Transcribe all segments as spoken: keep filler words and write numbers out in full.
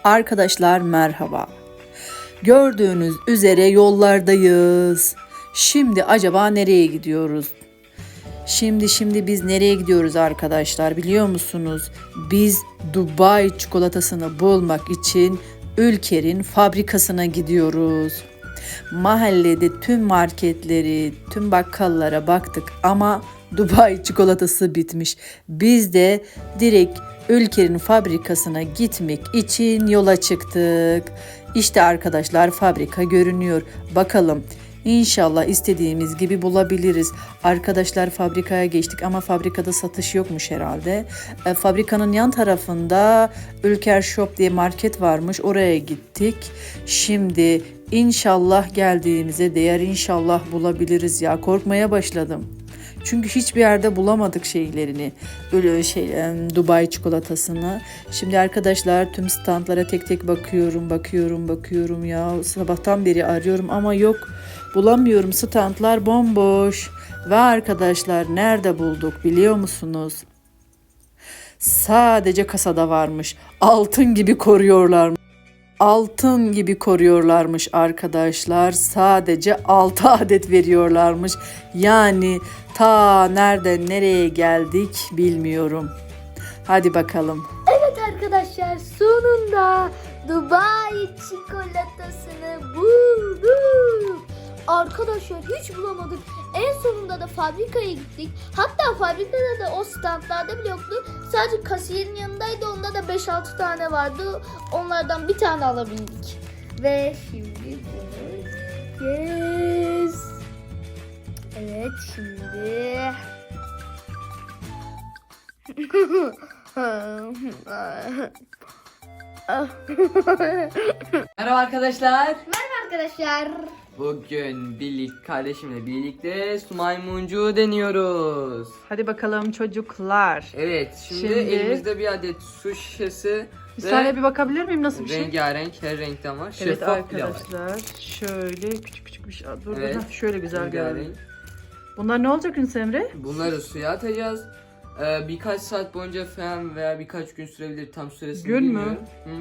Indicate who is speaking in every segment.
Speaker 1: Arkadaşlar merhaba. Gördüğünüz üzere yollardayız. Şimdi acaba nereye gidiyoruz? Şimdi şimdi biz nereye gidiyoruz arkadaşlar biliyor musunuz? Biz Dubai çikolatasını bulmak için Ülker'in fabrikasına gidiyoruz. Mahallede tüm marketleri, tüm bakkallara baktık ama Dubai çikolatası bitmiş. Biz de direkt Ülker'in fabrikasına gitmek için yola çıktık. İşte arkadaşlar fabrika görünüyor. Bakalım İnşallah istediğimiz gibi bulabiliriz. Arkadaşlar fabrikaya geçtik ama fabrikada satış yokmuş herhalde. E, fabrikanın yan tarafında Ülker Shop diye market varmış. Oraya gittik. Şimdi inşallah geldiğimize değer inşallah bulabiliriz ya. Korkmaya başladım. Çünkü hiçbir yerde bulamadık şeylerini. Öyle şey Dubai çikolatasını. Şimdi arkadaşlar tüm standlara tek tek bakıyorum, bakıyorum, bakıyorum ya. Sabahtan beri arıyorum ama yok. Bulamıyorum. Standlar bomboş. Ve arkadaşlar nerede bulduk biliyor musunuz? Sadece kasada varmış. Altın gibi koruyorlar. Altın gibi koruyorlarmış arkadaşlar. Sadece altı adet veriyorlarmış. Yani ta nereden nereye geldik bilmiyorum. Hadi bakalım.
Speaker 2: Evet arkadaşlar sonunda Dubai çikolatasını bulduk. Arkadaşlar hiç bulamadık. En sonunda da fabrikaya gittik. Hatta fabrikada da o standlarda bile yoktu. Sadece kasiyerin yanındaydı. Onda da beş altı tane vardı. Onlardan bir tane alabildik. Ve şimdi bunu yes. Evet şimdi
Speaker 3: Merhaba arkadaşlar.
Speaker 2: Merhaba arkadaşlar.
Speaker 3: Bugün birlik kardeşimle birlikte su maymuncuğu deniyoruz.
Speaker 1: Hadi bakalım çocuklar.
Speaker 3: Evet, şimdi,
Speaker 1: Şimdi-
Speaker 3: elimizde bir adet su şişesi
Speaker 1: Bir
Speaker 3: ve
Speaker 1: saniye bir bakabilir miyim nasıl bir şey?
Speaker 3: rengarenk, her renkten var.
Speaker 1: Evet
Speaker 3: Şeffaf bile var.
Speaker 1: arkadaşlar şöyle küçük küçük bir şey. Dur,
Speaker 3: Evet,
Speaker 1: dur, şöyle güzel
Speaker 3: rengarenk.
Speaker 1: görünüyor. Bunlar ne olacak Yunus Emre?
Speaker 3: Bunları suya atacağız. Ee, birkaç saat boyunca falan veya birkaç gün sürebilir, tam süresini
Speaker 1: Gün mü?
Speaker 3: bilmiyorum.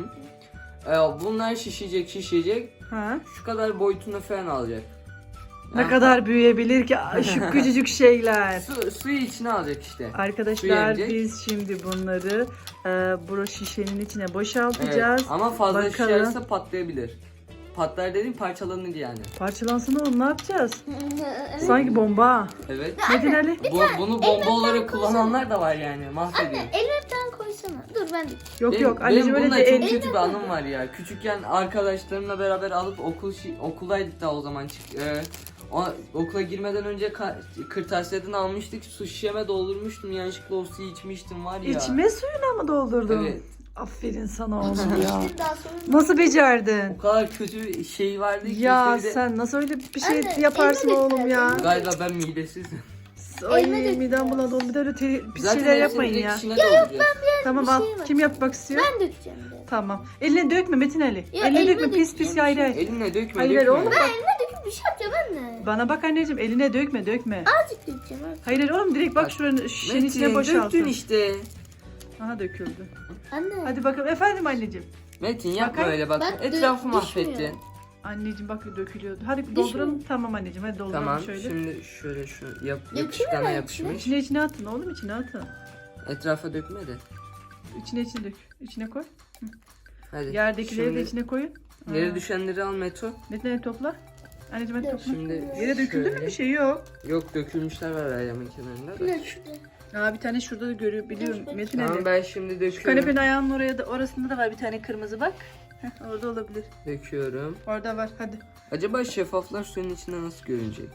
Speaker 3: Hı. Ee, bunlar şişecek şişecek.
Speaker 1: Ha?
Speaker 3: Şu kadar boyutunu falan alacak.
Speaker 1: Ne
Speaker 3: Yani
Speaker 1: kadar büyüyebilir ki şu küçücük şeyler.
Speaker 3: Su, suyu içine alacak işte.
Speaker 1: Arkadaşlar
Speaker 3: Su yenecek.
Speaker 1: biz şimdi bunları e, bu şişenin içine
Speaker 3: Evet,
Speaker 1: boşaltacağız.
Speaker 3: ama fazla
Speaker 1: Bakalım.
Speaker 3: şişerse patlayabilir. Patlar dediğim parçalanır yani.
Speaker 1: Parçalansın oğlum ne yapacağız? Sanki bomba.
Speaker 3: Evet.
Speaker 1: Metin Ali.
Speaker 3: Bu, bunu bomba olarak kullananlar da var yani. Mahvediyor.
Speaker 2: Elime bir tane koysana. Dur ben de.
Speaker 1: Yok
Speaker 3: Benim,
Speaker 1: yok anneciğim
Speaker 3: benim
Speaker 1: öyle
Speaker 3: bununla
Speaker 1: de
Speaker 3: çok
Speaker 1: el...
Speaker 3: kötü bir anım var ya. Küçükken arkadaşlarımla beraber alıp okul şi- okuldaydık daha o zaman. Çık- e, o, okula girmeden önce ka- kırtasiyeden almıştık. Su şişeme doldurmuştum. Yanlışlıkla o suyu içmiştim var ya.
Speaker 1: İçme suyuna mı doldurdun?
Speaker 3: Evet.
Speaker 1: Aferin sana oğlum ya.
Speaker 2: Bir daha sonra.
Speaker 1: Nasıl becerdin?
Speaker 3: O kadar kötü şey vardı ki.
Speaker 1: Ya
Speaker 3: işte bir de-
Speaker 1: sen nasıl öyle bir şey
Speaker 2: Anne,
Speaker 1: yaparsın
Speaker 2: elime
Speaker 1: oğlum ya?
Speaker 3: Galiba ben midesizim.
Speaker 1: Ay
Speaker 2: Elime dökülüyor.
Speaker 1: midem bulandı oğlum bir de öyle te- pis
Speaker 3: Zaten
Speaker 1: şeyler
Speaker 3: hepsini
Speaker 1: yapmayın
Speaker 3: direkt
Speaker 1: ya.
Speaker 3: içine dolduracağız.
Speaker 1: Tamam
Speaker 2: bir
Speaker 1: al.
Speaker 2: şey var.
Speaker 1: Kim yapmak istiyor?
Speaker 2: Ben dökeceğim de.
Speaker 1: Tamam. Eline dökme Metin Ali.
Speaker 2: Ya,
Speaker 1: eline
Speaker 2: elime
Speaker 1: dökme pis pis
Speaker 2: dökeceğim.
Speaker 1: hayır hayır.
Speaker 3: Eline dökme
Speaker 1: Hayır,
Speaker 3: dökme.
Speaker 1: oğlum bak.
Speaker 2: Elime döküp bir şey yapacağım anne.
Speaker 1: Bana bak anneciğim eline dökme dökme.
Speaker 2: Azıcık dökeceğim artık.
Speaker 1: Hayır hayır oğlum direkt bak
Speaker 3: Bak,
Speaker 1: şuranın şişenin
Speaker 3: Metin,
Speaker 1: içine
Speaker 3: döktün
Speaker 1: boşaltın.
Speaker 3: işte.
Speaker 1: Aha döküldü.
Speaker 2: Anne.
Speaker 1: Hadi bakalım efendim anneciğim.
Speaker 3: Metin yapma
Speaker 1: Bakayım.
Speaker 3: öyle bak.
Speaker 2: Bak,
Speaker 3: Etrafı
Speaker 2: dö-
Speaker 3: mahvettin.
Speaker 2: düşmüyor.
Speaker 1: Anneciğim bak dökülüyordu. Hadi dolduralım. Tamam anneciğim hadi dolduralım
Speaker 3: Tamam
Speaker 1: şöyle.
Speaker 3: şimdi şöyle şu yap,
Speaker 2: Dökeyim
Speaker 3: yapışkana
Speaker 2: mi ben
Speaker 3: yapışmış.
Speaker 1: İçine içine atın oğlum içine atın.
Speaker 3: Etrafa dökme de.
Speaker 1: İçine içine dök. İçine koy.
Speaker 3: Hadi.
Speaker 1: Yerdekileri
Speaker 3: Şimdi
Speaker 1: de içine koyun.
Speaker 3: Yere
Speaker 1: Ha.
Speaker 3: düşenleri al Meto.
Speaker 1: Metin Ali topla. Anneciğim hadi
Speaker 2: Dök.
Speaker 1: topla.
Speaker 3: Şimdi
Speaker 1: Yere döküldü mü
Speaker 3: şöyle.
Speaker 1: bir şey yok.
Speaker 3: Yok dökülmüşler var ayağımın kenarında da.
Speaker 2: Ne şurada?
Speaker 1: Aa bir tane şurada da görüyor biliyorum
Speaker 2: Dök, dök.
Speaker 1: Metin
Speaker 3: Tamam
Speaker 1: Ali.
Speaker 3: ben şimdi döküyorum.
Speaker 1: Kanepenin ayağının oraya da orasında da var bir tane kırmızı bak. Heh, orada olabilir.
Speaker 3: Döküyorum.
Speaker 1: Orada var hadi.
Speaker 3: Acaba şeffaflar suyun içinde nasıl görünecek?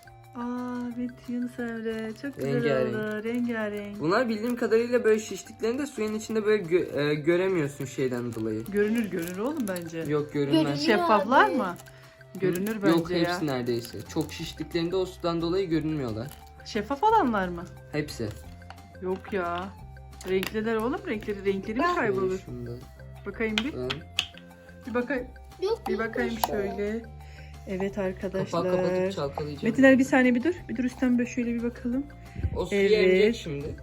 Speaker 1: Aa evet Yunus Emre çok güzel
Speaker 3: Rengarenk.
Speaker 1: oldu. Rengarenk.
Speaker 3: Bunlar bildiğim kadarıyla böyle şiştiklerinde suyun içinde böyle gö- e, göremiyorsun şeyden dolayı.
Speaker 1: Görünür görünür oğlum bence.
Speaker 3: Yok görünmez.
Speaker 2: Görünüyor.
Speaker 1: Şeffaflar
Speaker 2: abi.
Speaker 1: mı? Görünür bence
Speaker 3: Yok
Speaker 1: ya.
Speaker 3: hepsi neredeyse. Çok şiştiklerinde o sudan dolayı görünmüyorlar.
Speaker 1: Şeffaf olanlar mı?
Speaker 3: Hepsi.
Speaker 1: Yok ya. Renkliler oğlum renkleri renkleri mi
Speaker 2: Ben-
Speaker 1: kaybolur?
Speaker 3: Şunda.
Speaker 1: Bakayım bir.
Speaker 3: Ben
Speaker 1: Bir bakayım.
Speaker 2: Yok,
Speaker 1: Bir
Speaker 2: yok,
Speaker 1: bakayım
Speaker 2: yok.
Speaker 1: şöyle. Evet
Speaker 3: kapağı
Speaker 1: arkadaşlar.
Speaker 3: kapatıp çalkalayacağım.
Speaker 1: Metin Ali bir saniye bir dur. Bir dur üstten böyle şöyle bir bakalım.
Speaker 3: O suyu
Speaker 1: Evet.
Speaker 3: emecek şimdi.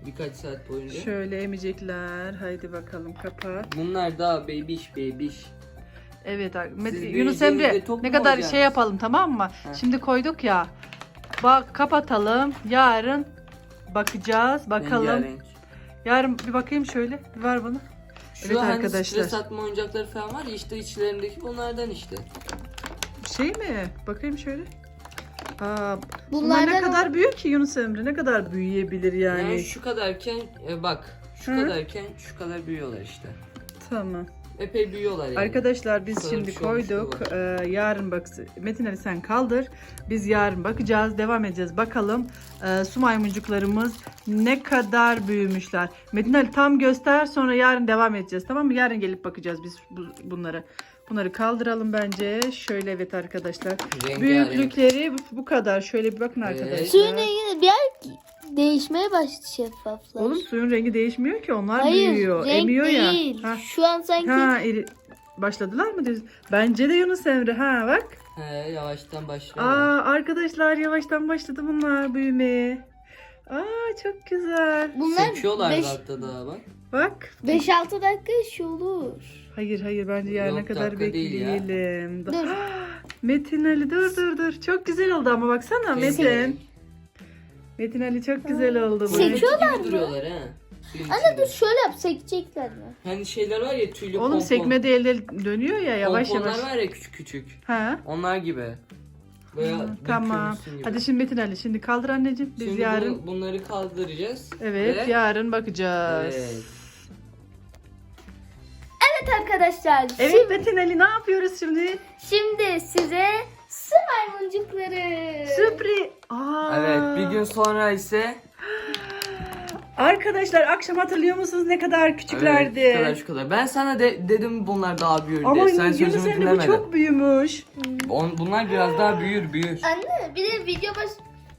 Speaker 3: birkaç saat boyunca.
Speaker 1: Şöyle emecekler. Haydi bakalım kapat.
Speaker 3: Bunlar daha bebiş bebiş.
Speaker 1: Evet ar- Met-
Speaker 3: Siz
Speaker 1: Yunus
Speaker 3: büyüyeceğinizde
Speaker 1: Emre
Speaker 3: tok
Speaker 1: ne
Speaker 3: mu
Speaker 1: kadar
Speaker 3: olacaksınız?
Speaker 1: şey yapalım tamam mı?
Speaker 3: Heh.
Speaker 1: Şimdi koyduk ya. Bak kapatalım. Yarın bakacağız. Bakalım.
Speaker 3: Rengarenk.
Speaker 1: Yarın bir bakayım şöyle. Bir ver bana.
Speaker 3: Şu
Speaker 1: Evet
Speaker 3: hani
Speaker 1: arkadaşlar.
Speaker 3: stres atma oyuncakları falan var ya işte içlerindeki bunlardan işte.
Speaker 1: Şey mi? Bakayım şöyle. Aa, bunlar
Speaker 2: Bunlardan
Speaker 1: ne kadar büyük ki Yunus Emre? Ne kadar büyüyebilir yani?
Speaker 3: Yani şu kadarken e, bak şu
Speaker 1: Hı.
Speaker 3: kadarken şu kadar büyüyorlar işte.
Speaker 1: Tamam.
Speaker 3: Epey büyüyorlar yani.
Speaker 1: Arkadaşlar biz
Speaker 3: Bu kadar
Speaker 1: şimdi
Speaker 3: bir şey olmuş
Speaker 1: koyduk.
Speaker 3: bu.
Speaker 1: Ee, yarın bak Metin Ali sen kaldır. Biz yarın bakacağız. Devam edeceğiz. Bakalım e, su maymuncuklarımız ne kadar büyümüşler. Metin Ali tam göster sonra yarın devam edeceğiz. Tamam mı? Yarın gelip bakacağız biz bu, bunları. Bunları kaldıralım bence. Şöyle evet arkadaşlar.
Speaker 3: Rengarenk.
Speaker 1: Büyüklükleri bu, bu kadar. Şöyle bir bakın
Speaker 3: Evet.
Speaker 1: arkadaşlar.
Speaker 2: suyun rengi bir yer değişmeye başladı şeffaflar.
Speaker 1: Oğlum suyun rengi değişmiyor ki. Onlar
Speaker 2: Hayır,
Speaker 1: büyüyor.
Speaker 2: renk
Speaker 1: Emiyor
Speaker 2: değil.
Speaker 1: ya. Ha.
Speaker 2: Şu an sanki
Speaker 1: Ha, iri- başladılar mı diyorsun? Bence de Yunus Emre. Ha bak.
Speaker 3: He yavaştan başlıyor.
Speaker 1: Aa arkadaşlar yavaştan başladı bunlar büyümeye. Aa çok güzel.
Speaker 2: bunlar
Speaker 3: Seçiyorlar
Speaker 2: beş-
Speaker 3: hatta daha bak.
Speaker 1: Bak.
Speaker 2: beş altı dakika iş olur.
Speaker 1: Hayır hayır bence yarına
Speaker 3: Yok,
Speaker 1: kadar
Speaker 3: dakika değil ya.
Speaker 1: bekleyelim. Da-
Speaker 2: Dur.
Speaker 1: Metin Ali dur dur dur. Çok güzel oldu ama baksana Metin. Metin Ali çok güzel oldu bu.
Speaker 2: Seçiyor- Seçiyorlar
Speaker 3: gibi
Speaker 2: mı?
Speaker 3: duruyorlar ha. Suyun
Speaker 2: Anne
Speaker 3: içinde.
Speaker 2: dur şöyle yap sekecekler mi?
Speaker 3: Hani şeyler var ya tüylü
Speaker 1: Oğlum
Speaker 3: pompon.
Speaker 1: sekmede elde dönüyor ya yavaş
Speaker 3: Pomponlar
Speaker 1: yavaş.
Speaker 3: var ya küçük küçük.
Speaker 1: Ha?
Speaker 3: Onlar gibi. Veya
Speaker 1: Hı, tamam.
Speaker 3: dökülmüşsün gibi.
Speaker 1: Hadi şimdi Metin Ali şimdi kaldır anneciğim. Biz
Speaker 3: Şimdi
Speaker 1: yarın
Speaker 3: bunu- bunları kaldıracağız.
Speaker 1: evet
Speaker 3: Ve-
Speaker 1: yarın bakacağız.
Speaker 3: Evet.
Speaker 2: Evet arkadaşlar.
Speaker 1: Evet
Speaker 2: Şimdi,
Speaker 1: Metin Ali ne yapıyoruz şimdi?
Speaker 2: şimdi size su maymuncukları.
Speaker 1: Sürpriz. Aa.
Speaker 3: Evet bir gün sonra ise
Speaker 1: Arkadaşlar akşam hatırlıyor musunuz ne kadar küçüklerdi?
Speaker 3: Evet, şu kadar şu kadar. Ben sana de, dedim bunlar daha büyür
Speaker 1: Ama
Speaker 3: diye. Sen
Speaker 1: Yunus
Speaker 3: sözümü
Speaker 1: Emre bu
Speaker 3: dinlemedin.
Speaker 1: çok büyümüş.
Speaker 3: On, bunlar biraz daha büyür büyür.
Speaker 2: Anne bir de video baş...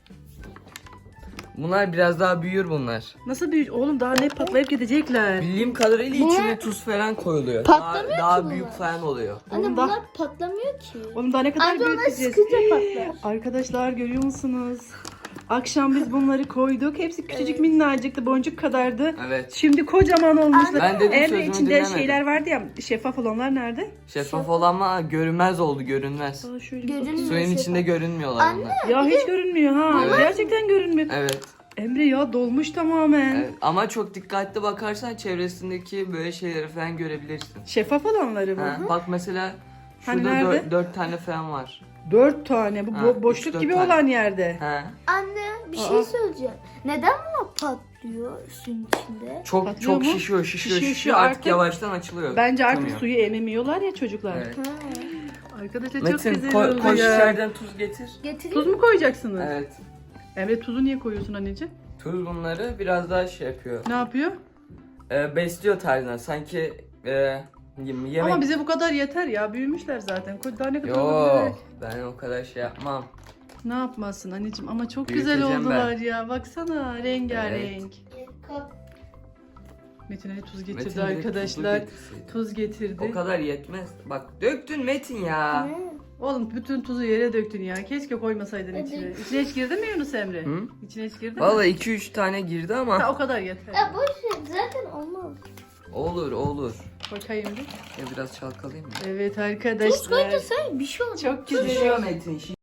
Speaker 3: Bunlar biraz daha büyür bunlar.
Speaker 1: Nasıl büyük? Oğlum daha ne patlayıp gidecekler.
Speaker 3: Bildiğim kadarıyla
Speaker 2: Bunlar-
Speaker 3: içine tuz falan koyuluyor.
Speaker 2: Patlamıyor
Speaker 3: daha, daha
Speaker 2: ki
Speaker 3: büyük
Speaker 2: bunlar.
Speaker 3: falan oluyor.
Speaker 2: Anne
Speaker 1: Oğlum daha-
Speaker 2: bunlar patlamıyor ki.
Speaker 1: Oğlum daha ne kadar
Speaker 2: Anne onlar
Speaker 1: büyüteceğiz?
Speaker 2: sıkınca patlar.
Speaker 1: Arkadaşlar görüyor musunuz? Akşam biz bunları koyduk. Hepsi küçücük minnacıktı. Boncuk kadardı.
Speaker 3: Evet.
Speaker 1: Şimdi kocaman olmuşlar.
Speaker 3: Ben dedim,
Speaker 1: Emre
Speaker 3: sözümü
Speaker 1: içinde
Speaker 3: dinlemedim.
Speaker 1: şeyler vardı ya şeffaf olanlar nerede?
Speaker 3: Şeffaf olan ama görünmez oldu görünmez.
Speaker 1: Aa, şöyle
Speaker 2: Görünmüyor.
Speaker 1: bakayım.
Speaker 3: Suyun
Speaker 2: şeffaf.
Speaker 3: içinde görünmüyorlar
Speaker 2: Anne.
Speaker 3: bunlar.
Speaker 1: Ya hiç görünmüyor ha.
Speaker 3: Evet.
Speaker 1: Gerçekten görünmüyor.
Speaker 3: Evet.
Speaker 1: Emre ya dolmuş tamamen.
Speaker 3: evet. Ama çok dikkatli bakarsan çevresindeki böyle şeyleri falan görebilirsin.
Speaker 1: Şeffaf olanları mı?
Speaker 3: Ha, bak mesela
Speaker 1: Hani
Speaker 3: şurada
Speaker 1: nerede?
Speaker 3: dört, dört tane falan var.
Speaker 1: Dört tane. Bu
Speaker 3: Ha,
Speaker 1: bo-
Speaker 3: üç,
Speaker 1: boşluk
Speaker 3: dört
Speaker 1: gibi
Speaker 3: tane.
Speaker 1: olan yerde.
Speaker 3: Ha.
Speaker 2: Anne bir
Speaker 1: Aa.
Speaker 2: şey söyleyeceğim. Neden bunlar patlıyor suyun içinde?
Speaker 3: Çok
Speaker 1: Patlıyor
Speaker 3: çok
Speaker 1: mu?
Speaker 3: şişiyor, şişiyor,
Speaker 1: Şişiyor,
Speaker 3: şişiyor,
Speaker 1: şişiyor.
Speaker 3: artık,
Speaker 1: Artık-
Speaker 3: yavaştan açılıyor.
Speaker 1: Bence artık
Speaker 3: Tutamıyor.
Speaker 1: suyu ememiyorlar ya çocuklar.
Speaker 3: Evet.
Speaker 2: Ha.
Speaker 1: Arkadaşlar çok
Speaker 3: Metin
Speaker 1: güzel
Speaker 3: koy,
Speaker 1: oldu
Speaker 3: koş
Speaker 1: ya.
Speaker 3: içeriden tuz getir.
Speaker 2: Getireyim.
Speaker 1: Tuz mu koyacaksınız?
Speaker 3: Evet.
Speaker 1: Emre tuzu niye koyuyorsun anneciğim?
Speaker 3: Tuz bunları biraz daha şey yapıyor.
Speaker 1: Ne yapıyor?
Speaker 3: Ee, besliyor tarzına. Sanki e, yem- yemek...
Speaker 1: Ama bize bu kadar yeter ya. Büyümüşler zaten. Koy- Daha ne kadar
Speaker 3: Yo,
Speaker 1: olabilir?
Speaker 3: ben o kadar şey yapmam.
Speaker 1: Ne yapmazsın anneciğim? Ama çok güzel
Speaker 3: Büyüteceğim
Speaker 1: oldular ya. Baksana rengarenk.
Speaker 2: Kap-
Speaker 1: Metin Ali tuz getirdi
Speaker 3: Metin direkt
Speaker 1: arkadaşlar.
Speaker 3: tuzlu getirsin.
Speaker 1: Tuz getirdi.
Speaker 3: O kadar yetmez. Bak döktün Metin ya.
Speaker 2: Ne?
Speaker 1: Oğlum bütün tuzu yere döktün ya. Keşke koymasaydın
Speaker 2: Evet.
Speaker 1: içine. İçine hiç girdi mi Yunus Emre?
Speaker 3: Hı?
Speaker 1: İçine hiç girdi mi?
Speaker 3: Vallahi iki üç tane girdi
Speaker 1: Ha,
Speaker 3: ama
Speaker 1: o kadar yeter.
Speaker 2: Ya boş ver zaten olmaz.
Speaker 3: olur olur.
Speaker 1: Bakayım bir.
Speaker 3: Ya biraz çalkalayayım mı?
Speaker 1: Evet
Speaker 2: Tuz
Speaker 1: arkadaşlar.
Speaker 2: koyunca sen bir şey olacak.
Speaker 1: Çok güzel.
Speaker 3: Şişiyor Metin.